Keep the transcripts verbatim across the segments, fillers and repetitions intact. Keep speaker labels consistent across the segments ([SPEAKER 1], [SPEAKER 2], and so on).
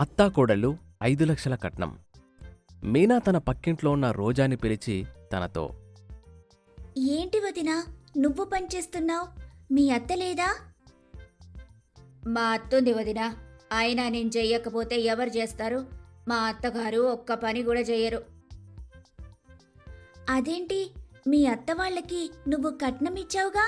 [SPEAKER 1] అత్తాకోడళ్ళు ఐదు లక్షల కట్నం. మీనా తన పక్కింట్లో ఉన్న రోజాని పిలిచి తనతో,
[SPEAKER 2] ఏంటి వదినా నువ్వు పనిచేస్తున్నావు? మీ అత్త లేదా? మా అత్తుంది వదినా. అయినా నేను చెయ్యకపోతే ఎవరు చేస్తారు? మా అత్తగారు ఒక్క పని కూడా చెయ్యరు. అదేంటి, మీ అత్త వాళ్ళకి నువ్వు కట్నం ఇచ్చావుగా?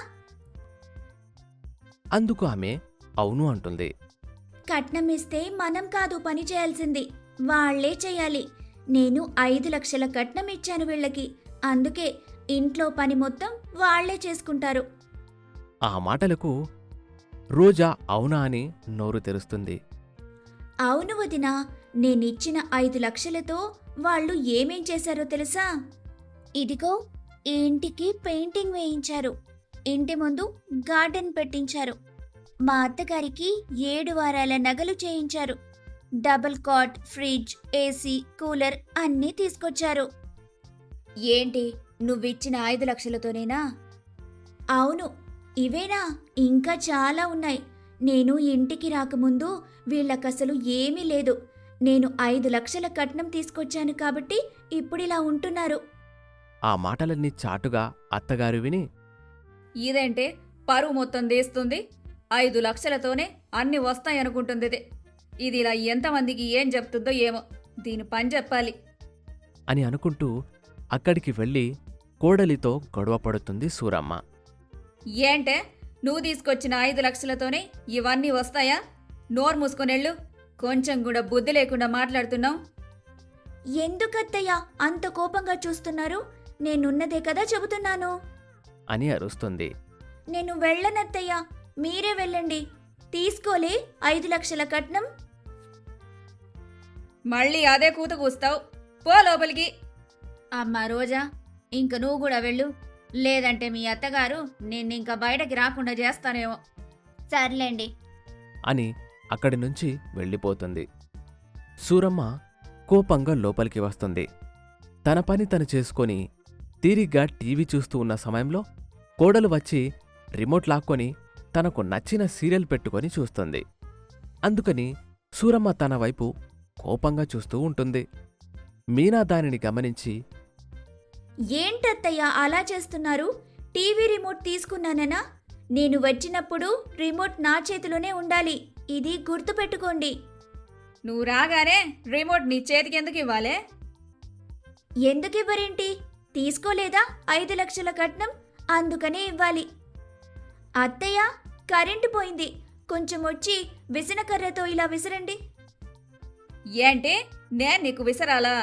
[SPEAKER 1] అందుకు ఆమె అవును అంటుంది.
[SPEAKER 2] కట్నం ఇస్తే మనం కాదు పని చేయాల్సింది, వాళ్లే చెయ్యాలి. నేను ఐదు లక్షల కట్నం ఇచ్చాను వీళ్ళకి, అందుకే ఇంట్లో పని మొత్తం వాళ్లే చేసుకుంటారు.
[SPEAKER 1] ఆ మాటలకు రోజా అవునా అని నోరు తెరుస్తుంది.
[SPEAKER 2] అవును వదినా, నేనిచ్చిన ఐదు లక్షలతో వాళ్ళు ఏమేం చేశారో తెలుసా? ఇదిగో ఈ ఇంటికి పెయింటింగ్ వేయించారు, ఇంటి ముందు గార్డెన్ పెట్టించారు, మా అత్తగారికి ఏడు వారాల నగలు చేయించారు, double cot, fridge, AC, cooler అన్నీ తీసుకొచ్చారు. ఏంటి, నువ్విచ్చిన ఐదు లక్షలతోనేనా? అవును, ఇవేనా? ఇంకా చాలా ఉన్నాయి. నేను ఇంటికి రాకముందు వీళ్ళకసలు ఏమీ లేదు. నేను ఐదు లక్షల కట్నం తీసుకొచ్చాను కాబట్టి ఇప్పుడిలా ఉంటున్నారు.
[SPEAKER 1] ఆ మాటలన్నీ చాటుగా అత్తగారు విని,
[SPEAKER 3] ఇదేంటే పరువు మొత్తం తీస్తుంది, ఐదు లక్షలతోనే అన్ని వస్తాయనుకుంటుంది. ఇది ఇది ఇలా ఎంతమందికి ఏం చెప్తుందో ఏమో, దీని పని చెప్పాలి
[SPEAKER 1] అని అనుకుంటూ అక్కడికి వెళ్ళి కోడలితో గొడవ పడుతుంది సూరమ్మ.
[SPEAKER 3] ఏంటే, నువ్వు తీసుకొచ్చిన ఐదు లక్షలతోనే ఇవన్నీ వస్తాయా? నోరు మూసుకొనెళ్ళు, కొంచెం కూడా బుద్ధి లేకుండా మాట్లాడుతున్నావు.
[SPEAKER 2] ఎందుకత్తయ్యా అంత కోపంగా చూస్తున్నారు? నేనున్నదే కదా చెబుతున్నాను.
[SPEAKER 1] అని అరుస్తుంది.
[SPEAKER 2] నేను వెళ్ళనత్తయ్యా, మీరే వెళ్ళండి. తీసుకోలే ఐదు లక్షల కట్నం?
[SPEAKER 3] మళ్ళీ అదే కూత కూస్తావు, పో లోపలికి.
[SPEAKER 2] అమ్మా రోజా, ఇంక నువ్వు కూడా వెళ్ళు, లేదంటే మీ అత్తగారు నిన్నింక బయటకి రాకుండా చేస్తానేమో. సర్లేండి
[SPEAKER 1] అని అక్కడి నుంచి వెళ్ళిపోతుంది. సూరమ్మ కోపంగా లోపలికి వస్తుంది. తన పని తను చేసుకొని తీరిగ్గా టీవీ చూస్తూ ఉన్న సమయంలో కోడలు వచ్చి రిమోట్ లాక్కొని తనకు నచ్చిన సీరియల్ పెట్టుకొని చూస్తుంది. అందుకని సూరమ్మ తన వైపు కోపంగా చూస్తూ ఉంటుంది. మీనా దానిని గమనించి,
[SPEAKER 2] ఏంటత్తయ్యా అలా చేస్తున్నారు? టీవీ రిమోట్ తీసుకున్నాననా? నేను వచ్చినప్పుడు రిమోట్ నా చేతిలోనే ఉండాలి, ఇది గుర్తుపెట్టుకోండి.
[SPEAKER 3] నువ్వు రాగానే రిమోట్ నీ చేతికి ఎందుకు ఇవ్వాలే?
[SPEAKER 2] ఎందుకివ్వరేంటి? తీసుకోలేదా ఐదు లక్షల కట్నం? అందుకనే ఇవ్వాలి. అత్తయ్య, కరెంటు పోయింది, కొంచెం వచ్చి విసనకర్రతో ఇలా విసరండి.
[SPEAKER 3] ఏంటి, నేను నీకు విసరాలా?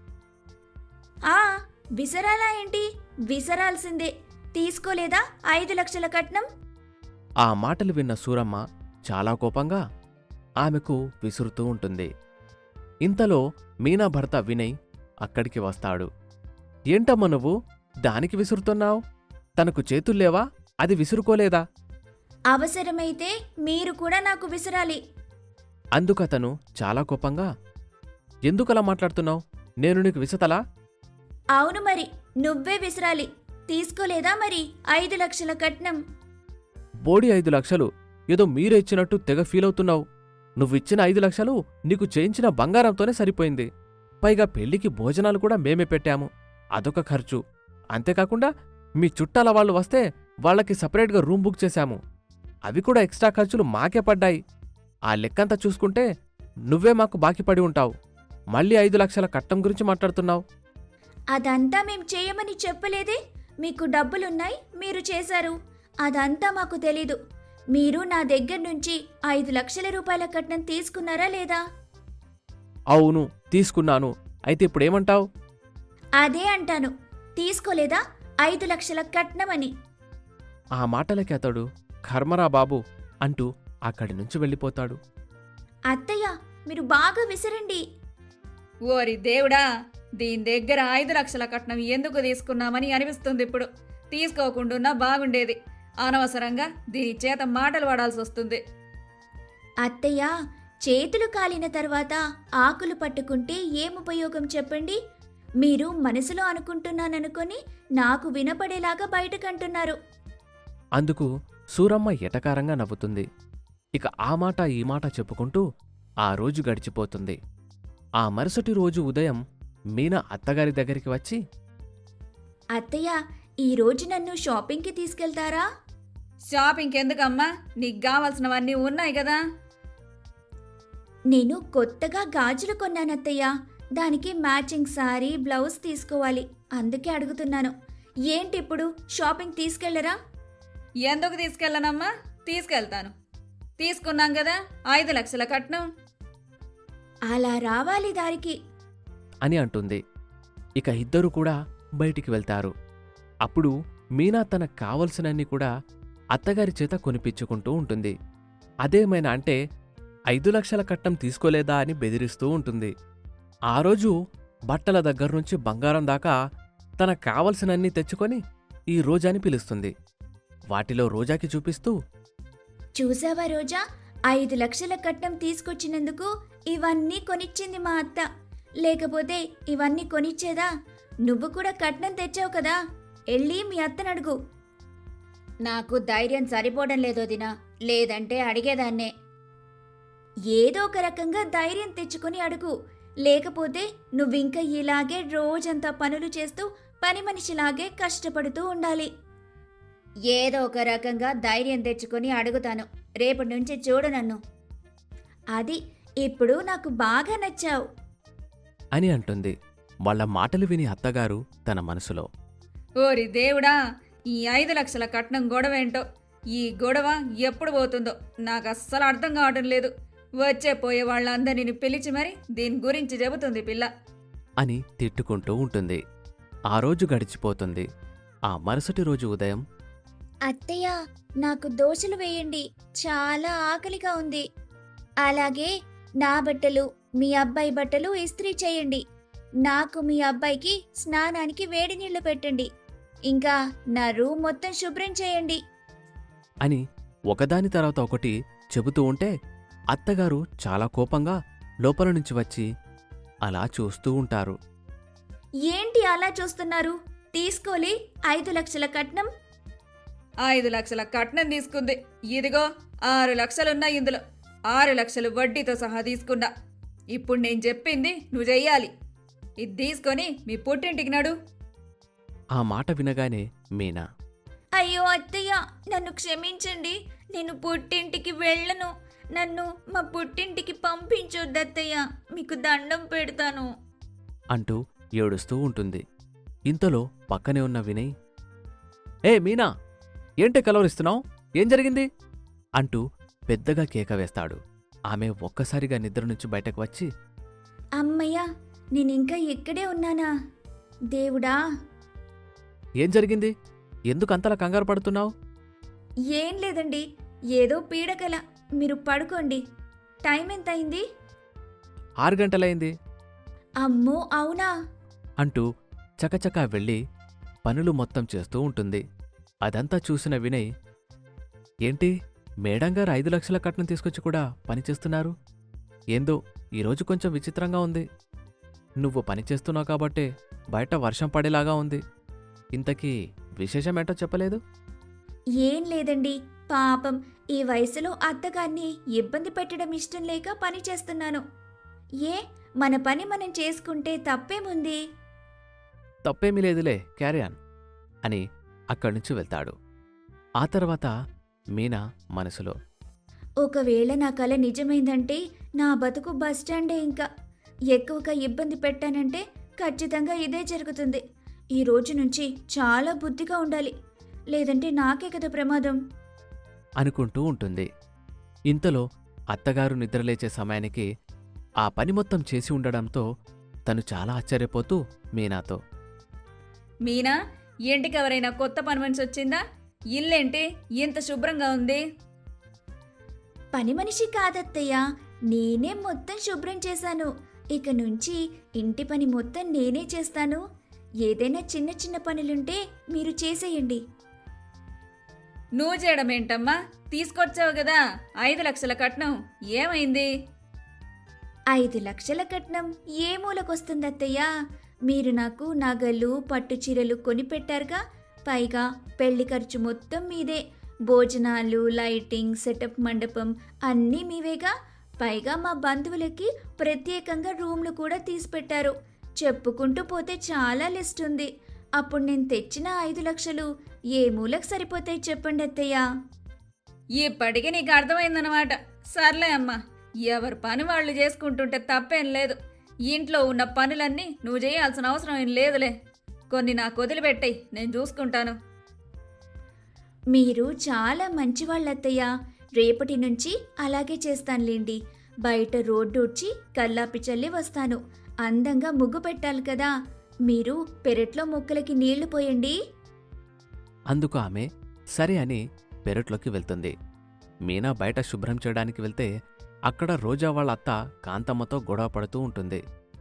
[SPEAKER 2] ఆ విసరాలా ఏంటి? విసరాల్సిందే. తీసుకోలేదా ఐదు లక్షల కట్నం?
[SPEAKER 1] ఆ మాటలు విన్న సూరమ్మ చాలా కోపంగా ఆమెకు విసురుతూ ఉంటుంది. ఇంతలో మీనా భర్త వినయ్ అక్కడికి వస్తాడు. ఏంటమ్మా నువ్వు దానికి విసురుతున్నావు? తనకు చేతుల్లేవా? అది విసురుకోలేదా?
[SPEAKER 2] అవసరమైతే మీరు కూడా నాకు విసరాలి.
[SPEAKER 1] అందుకతను చాలా కోపంగా, ఎందుకలా మాట్లాడుతున్నావు? నేను నీకు విసతలా?
[SPEAKER 2] అవును మరి, నువ్వే విసరాలి. తీసుకోలేదా మరి ఐదు లక్షల కట్నం?
[SPEAKER 1] బోడి ఐదు లక్షలు ఏదో మీరే ఇచ్చినట్టు తెగ ఫీలవుతున్నావు. నువ్విచ్చిన ఐదు లక్షలు నీకు చేయించిన బంగారంతోనే సరిపోయింది. పైగా పెళ్లికి భోజనాలు కూడా మేమే పెట్టాము, అదొక ఖర్చు. అంతేకాకుండా మీ చుట్టాల వాళ్ళు వస్తే వాళ్లకి సపరేట్గా రూమ్ బుక్ చేశాము, అవి కూడా ఎక్స్ట్రా ఖర్చులు మాకే పడ్డాయి. ఆ లెక్కంతా చూసుకుంటే నువ్వే మాకు బాకీ పడి ఉంటావు. మళ్ళీ ఐదు లక్షల కట్నం గురించి మాట్లాడుతున్నావు.
[SPEAKER 2] అదంతా మేం చేయమని చెప్పలేదే. మీకు డబ్బులున్నాయి, మీరు చేశారు, అదంతా మాకు తెలీదు. మీరు నా దగ్గర నుంచి ఐదు లక్షల రూపాయల కట్నం తీసుకున్నారా లేదా?
[SPEAKER 1] అవును, తీసుకున్నాను. అయితే ఇప్పుడేమంటావు?
[SPEAKER 2] అదే అంటాను, తీసుకోలేదా ఐదు లక్షల కట్నమని.
[SPEAKER 1] ఆ మాటలకి అతడు కర్మరా బాబు అంటూ అక్కడి నుంచి వెళ్ళిపోతాడు.
[SPEAKER 2] అత్తయ్య, మీరు బాగా విసరండి.
[SPEAKER 3] ఓరి దేవుడా, దీని దగ్గర ఐదు లక్షల కట్నం ఎందుకు తీసుకున్నామని అనిపిస్తుంది ఇప్పుడు. తీసుకోకుండా బాగుండేది, అనవసరంగా దీని చేత మాటలు పడాల్సి వస్తుంది.
[SPEAKER 2] అత్తయ్య, చేతులు కాలిన తర్వాత ఆకులు పట్టుకుంటే ఏం ఉపయోగం చెప్పండి? మీరు మనసులో అనుకుంటున్నాననుకొని నాకు వినపడేలాగా బయటకంటున్నారు.
[SPEAKER 1] అందుకు సూరమ్మ ఎటకారంగా నవ్వుతుంది. ఇక ఆ మాట ఈ మాట చెప్పుకుంటూ ఆ రోజు గడిచిపోతుంది. ఆ మరుసటి రోజు ఉదయం మీనా అత్తగారి దగ్గరికి వచ్చి,
[SPEAKER 2] అత్తయ్య, ఈరోజు నన్ను షాపింగ్కి తీసుకెళ్తారా?
[SPEAKER 3] షాపింగ్కి ఎందుకమ్మా? నీకు కావాల్సినవన్నీ ఉన్నాయి కదా.
[SPEAKER 2] నేను కొత్తగా గాజులు కొన్నానత్తయ్య. దానికి మ్యాచింగ్ సారీ, బ్లౌజ్ తీసుకోవాలి. అందుకే అడుగుతున్నాను. ఏంటి ఇప్పుడు షాపింగ్ తీసుకెళ్లరా?
[SPEAKER 3] ఎందుకు తీసుకెళ్ళనమ్మా? తీసుకెళ్తాను. తీసుకున్నాం కదా ఐదు లక్షల కట్నం.
[SPEAKER 2] అలా రావాలి దారికి.
[SPEAKER 1] అని అంటుంది. ఇక ఇద్దరూ కూడా బయటికి వెళ్తారు. అప్పుడు మీనా తనకు కావలసినన్ని కూడా అత్తగారి చేత కొనిపించుకుంటూ ఉంటుంది. అదేమైనా అంటే ఐదు లక్షల కట్నం తీసుకోలేదా అని బెదిరిస్తూ ఉంటుంది. ఆ రోజు బట్టల దగ్గర్నుంచి బంగారం దాకా తనకు కావలసినన్ని తెచ్చుకొని ఈ రోజాని పిలుస్తుంది. వాటిలో రోజాకి చూపిస్తూ,
[SPEAKER 2] చూసావా రోజా, ఐదు లక్షల కట్నం తీసుకొచ్చినందుకు ఇవన్నీ కొనిచ్చింది మా అత్త. లేకపోతే ఇవన్నీ కొనిచ్చేదా? నువ్వు కూడా కట్నం తెచ్చావు కదా, వెళ్ళి మీ అత్తనడుగు. నాకు ధైర్యం సరిపోవడం లేదో దినా, లేదంటే అడిగేదాన్నే. ఏదో ఒక రకంగా ధైర్యం తెచ్చుకొని అడుగు. లేకపోతే నువ్వింక ఇలాగే రోజంతా పనులు చేస్తూ పని మనిషిలాగే కష్టపడుతూ ఉండాలి. ఏదో ఒక రకంగా ధైర్యం తెచ్చుకొని అడుగుతాను. రేపటి నుంచి చూడు నన్ను. అది ఇప్పుడు నాకు బాగా నచ్చావు
[SPEAKER 1] అని అంటుంది. వాళ్ళ మాటలు విని అత్తగారు తన మనసులో,
[SPEAKER 3] ఓరి దేవుడా, ఈ ఐదు లక్షల కట్నం గొడవేంటో. ఈ గొడవ ఎప్పుడు పోతుందో నాకు అస్సలు అర్థం కావటం లేదు. వచ్చే పోయే వాళ్ళందరినీ పిలిచి మరి దీని గురించి చెబుతుంది పిల్ల
[SPEAKER 1] అని తిట్టుకుంటూ ఉంటుంది. ఆ రోజు గడిచిపోతుంది. ఆ మరుసటి రోజు ఉదయం,
[SPEAKER 2] అత్తయ్య, నాకు దోశలు వేయండి, చాలా ఆకలిగా ఉంది. అలాగే నా బట్టలు, మీ అబ్బాయి బట్టలు ఇస్త్రీ చేయండి. నాకు మీ అబ్బాయికి స్నానానికి వేడి నీళ్లు పెట్టండి. ఇంకా నా రూమ్ మొత్తం శుభ్రం చేయండి
[SPEAKER 1] అని ఒకదాని తర్వాత ఒకటి చెబుతూ ఉంటే అత్తగారు చాలా కోపంగా లోపల నుంచి వచ్చి అలా చూస్తూ ఉంటారు.
[SPEAKER 2] ఏంటి అలా చూస్తున్నారు? తీసుకోలే ఐదు లక్షల కట్నం.
[SPEAKER 3] ఐదు లక్షల కట్నం తీసుకుంది. ఇదిగో ఆరు లక్షలున్నాయి ఇందులో. ఆరు లక్షలు వడ్డీతో సహా తీసుకున్నా. ఇప్పుడు నేను చెప్పింది నువ్వు చెయ్యాలి. ఇది తీసుకొని మీ పుట్టింటికి నడు.
[SPEAKER 1] ఆ మాట వినగానే మీనా,
[SPEAKER 2] అయ్యో అత్తయ్య, నన్ను క్షమించండి. నేను పుట్టింటికి వెళ్ళను. నన్ను మా పుట్టింటికి పంపించొద్దు అత్తయ్య, మీకు దండం పెడతాను
[SPEAKER 1] అంటూ ఏడుస్తూ ఉంటుంది. ఇంతలో పక్కనే ఉన్న వినయ్, ఏ మీనా, ఏంటి కలవరిస్తున్నావు? ఏం జరిగింది? అంటూ పెద్దగా కేక వేస్తాడు. ఆమె ఒక్కసారిగా నిద్ర నుంచి బయటకు వచ్చి,
[SPEAKER 2] అమ్మయ్య, నేనింకా ఇక్కడే ఉన్నానా? దేవుడా!
[SPEAKER 1] ఏం జరిగింది? ఎందుకు అంతలా కంగారు పడుతున్నావు?
[SPEAKER 2] ఏం లేదండి, ఏదో పీడకల. మీరు పడుకోండి. టైం ఎంత అయింది?
[SPEAKER 1] ఆరు గంటలైంది
[SPEAKER 2] అమ్మో, అవునా?
[SPEAKER 1] అంటూ చకచకా వెళ్ళి పనులు మొత్తం చేస్తూ ఉంటుంది. అదంతా చూసిన వినయ్, ఏంటి మేడంగారు ఐదు లక్షల కట్నం తీసుకొచ్చి కూడా పనిచేస్తున్నారు? ఏందో ఈరోజు కొంచెం విచిత్రంగా ఉంది. నువ్వు పనిచేస్తున్నావు కాబట్టే బయట వర్షం పడేలాగా ఉంది. ఇంతకీ విశేషమేంటో చెప్పలేదు?
[SPEAKER 2] ఏం లేదండి, పాపం ఈ వయసులో అత్తగారిని ఇబ్బంది పెట్టడం ఇష్టం లేక పని చేస్తున్నాను. ఏ, మన పని మనం చేసుకుంటే తప్పేముంది?
[SPEAKER 1] తప్పేమీ లేదులే, క్యారియాన్ అని అక్కడ్నుంచి వెళ్తాడు. ఆ తర్వాత మీనా మనసులో,
[SPEAKER 2] ఒకవేళ నా కల నిజమైందంటే నా బతుకు బస్టాండే. ఇంకా ఎక్కువగా ఇబ్బంది పెట్టానంటే ఖచ్చితంగా ఇదే జరుగుతుంది. ఈ రోజు నుంచి చాలా బుద్ధిగా ఉండాలి, లేదంటే నాకే కదా ప్రమాదం
[SPEAKER 1] అనుకుంటూ ఉంటుంది. ఇంతలో అత్తగారు నిద్రలేచే సమయానికి ఆ పని మొత్తం చేసి ఉండడంతో తను చాలా ఆశ్చర్యపోతూ మీనాతో,
[SPEAKER 3] మీనా, ఇంటికి ఎవరైనా కొత్త పని మనిషి వచ్చిందా? ఇల్లేంటి ఇంత శుభ్రంగా ఉంది?
[SPEAKER 2] పని మనిషి కాదత్తయ్య, నేనే మొత్తం శుభ్రం చేశాను. ఇక నుంచి ఇంటి పని మొత్తం నేనే చేస్తాను. ఏదైనా చిన్న చిన్న పనులుంటే మీరు చేసేయండి.
[SPEAKER 3] నువ్వు చేయడం ఏంటమ్మా? తీసుకొచ్చావు కదా ఐదు లక్షల కట్నం, ఏమైంది?
[SPEAKER 2] ఐదు లక్షల కట్నం ఏ మూలకొస్తుందత్తయ్య? మీరు నాకు నగలు, పట్టు చీరలు కొనిపెట్టారుగా. పైగా పెళ్లి ఖర్చు మొత్తం మీదే. భోజనాలు, లైటింగ్, సెటప్ మండపం అన్నీ మీవేగా. పైగా మా బంధువులకి ప్రత్యేకంగా రూమ్లు కూడా తీసిపెట్టారు. చెప్పుకుంటూ పోతే చాలా లిస్ట్ ఉంది. అప్పుడు నేను తెచ్చిన ఐదు లక్షలు ఏ మూలకు సరిపోతాయి చెప్పండి అత్తయ్య.
[SPEAKER 3] ఇప్పటికీ నీకు అర్థమైందనమాట. సర్లే అమ్మా, ఎవరి పని వాళ్ళు చేసుకుంటుంటే తప్పేం లేదు. ఇంట్లో ఉన్న పనులన్నీ నువ్వు చేయాల్సిన అవసరం ఏం లేదులే. కొన్ని నాకు వదిలిపెట్టాయి, నేను చూసుకుంటాను.
[SPEAKER 2] మీరు చాలా మంచివాళ్ళత్తయ్య. రేపటి నుంచి అలాగే చేస్తానులేండి. బయట రోడ్డు వచ్చి కల్లాపి చల్లి వస్తాను. అందంగా ముగ్గు పెట్టాలి కదా. మీరు పెరట్లో మొక్కలకి నీళ్లు పోయండి.
[SPEAKER 1] అందుకు ఆమె సరే అని పెరట్లోకి వెళ్తుంది. మీనా బయట శుభ్రం చేయడానికి వెళ్తే అక్కడ రోజా వాళ్ళ అత్త కాంతమ్మతో గొడవ పడుతూ ఉంటుంది.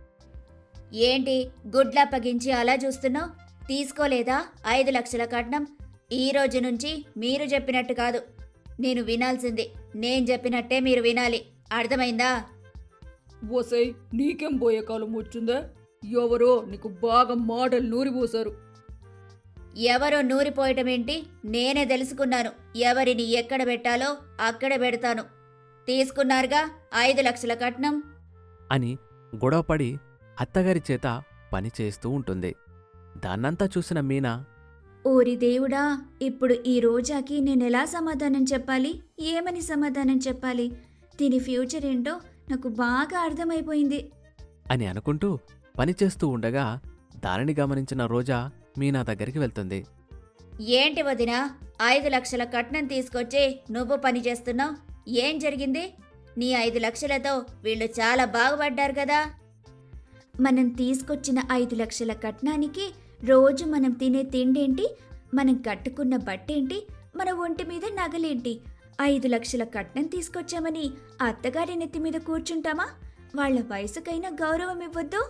[SPEAKER 2] ఏంటి గుడ్లా పగించి అలా చూస్తున్నావు? తీసుకోలేదా ఐదు లక్షల కట్నం? ఈ రోజు నుంచి మీరు చెప్పినట్టు కాదు, నేను వినాల్సింది. నేను చెప్పినట్టే మీరు వినాలి. అర్థమైందా?
[SPEAKER 3] ఓసై, నీకేం పోయే కాలం వచ్చిందా? ఎవరో నీకు బాగా మాటలు నూరిపోసారు.
[SPEAKER 2] ఎవరో నూరిపోయటం ఏంటి? నేనే తెలుసుకున్నాను. ఎవరిని ఎక్కడ పెట్టాలో అక్కడ పెడతాను. తీసుకున్నారుగా ఐదు లక్షల కట్నం
[SPEAKER 1] అని గొడవపడి అత్తగారి చేత పని చేస్తూ ఉంటుంది. దాన్నంతా చూసిన మీనా,
[SPEAKER 2] ఓరి దేవుడా, ఇప్పుడు ఈ రోజాకి నేనెలా సమాధానం చెప్పాలి? ఏమని సమాధానం చెప్పాలి? దీని ఫ్యూచర్ ఏంటో నాకు బాగా అర్థమైపోయింది
[SPEAKER 1] అని అనుకుంటూ పనిచేస్తూ ఉండగా దానిని గమనించిన రోజా మీనా దగ్గరికి వెళ్తుంది.
[SPEAKER 2] ఏంటి వదినా, ఐదు లక్షల కట్నం తీసుకొచ్చి నువ్వు పని చేస్తున్నావు? ఏం జరిగింది? నీ ఐదు లక్షలతో వీళ్ళు చాలా బాగుపడ్డారు కదా. మనం తీసుకొచ్చిన ఐదు లక్షల కట్నానికి రోజు మనం తినే తిండేంటి, మనం కట్టుకున్న బట్టేంటి, మన ఒంటి మీద నగలేంటి? ఐదు లక్షల కట్నం తీసుకొచ్చామని అత్తగారి నెత్తి మీద కూర్చుంటామా? వాళ్ళ వయసుకైనా గౌరవం ఇవ్వద్దు?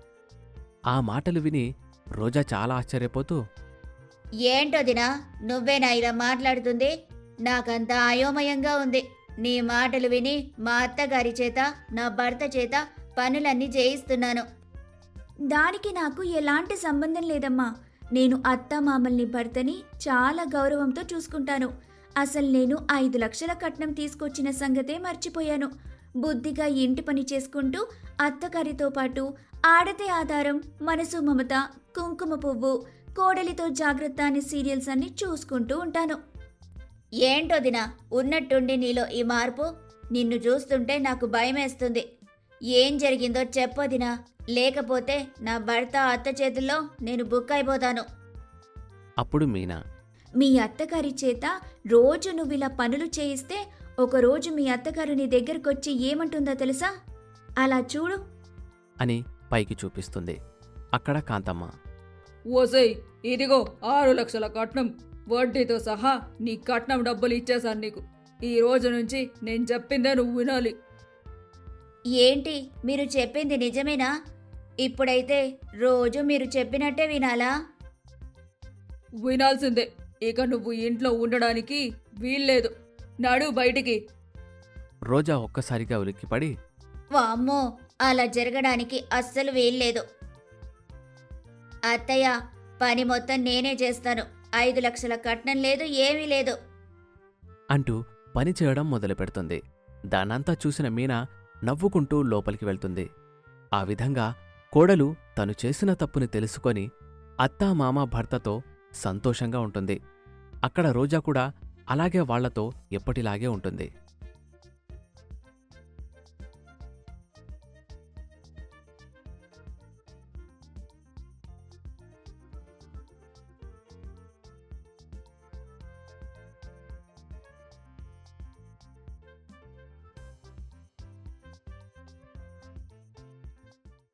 [SPEAKER 1] ఆ మాటలు విని రోజా చాలా ఆశ్చర్యపోతూ,
[SPEAKER 2] ఏంటోదినా, నువ్వేనా ఇలా మాట్లాడుతుంది? నాకంతా అయోమయంగా ఉంది. నీ మాటలు విని మా అత్తగారి చేత నా భర్త చేత పనులన్నీ చేయిస్తున్నాను. దానికి నాకు ఎలాంటి సంబంధం లేదమ్మా. నేను అత్త మామల్ని భర్తని చాలా గౌరవంతో చూసుకుంటాను. అసలు నేను ఐదు లక్షల కట్నం తీసుకొచ్చిన సంగతే మర్చిపోయాను. బుద్ధిగా ఇంటి పని చేసుకుంటూ అత్తగారితో పాటు ఆడతే ఆధారం, మనసు మమత, కుంకుమ పువ్వు, కోడలితో జాగ్రత్త అనే సీరియల్స్ అన్ని చూసుకుంటూ ఉంటాను. ఏంటోదినా, ఉన్నట్టుండి నీలో ఈ మార్పు? నిన్ను చూస్తుంటే నాకు భయమేస్తుంది. ఏం జరిగిందో చెప్పొదినా, లేకపోతే నా భర్త అత్త చేతుల్లో నేను బుక్ అయిపోతాను.
[SPEAKER 1] అప్పుడు మీనా,
[SPEAKER 2] మీ అత్తగారి చేత రోజు నువ్విలా పనులు చేయిస్తే ఒకరోజు మీ అత్తగారు నీ దగ్గరకొచ్చి ఏమంటుందో తెలుసా? అలా చూడు
[SPEAKER 1] అని పైకి చూపిస్తుంది. అక్కడ కాంతమ్మ,
[SPEAKER 3] ఓసై, ఇదిగో ఆరు లక్షల కట్నం, వడ్డీతో సహా నీ కట్నం డబ్బులు ఇచ్చేశాను నీకు. ఈ రోజు నుంచి నేను చెప్పిందే నువ్వు వినాలి.
[SPEAKER 2] ఏంటి మీరు చెప్పింది నిజమేనా? ఇప్పుడైతే రోజు మీరు చెప్పినట్టే వినాలా?
[SPEAKER 3] వినాల్సిందే. ఇక నువ్వు ఇంట్లో ఉండడానికి వీల్లేదు. నడు బయటికి.
[SPEAKER 1] రోజా ఒక్కసారిగా ఉలిక్కిపడి,
[SPEAKER 2] వామ్మో, అలా జరగడానికి అస్సలు వీల్లేదు. అత్తయ్య, పని మొత్తం నేనే చేస్తాను. ఐదు లక్షల కట్నం లేదు, ఏమీ లేదు
[SPEAKER 1] అంటూ పని చేయడం మొదలుపెడుతుంది. దానంతా చూసిన మీనా నవ్వుకుంటూ లోపలికి వెళ్తుంది. ఆ విధంగా కోడలు తను చేసిన తప్పుని తెలుసుకొని అత్తా మామ భర్తతో సంతోషంగా ఉంటుంది. అక్కడ రోజా కూడా అలాగే వాళ్లతో ఎప్పటిలాగే ఉంటుంది.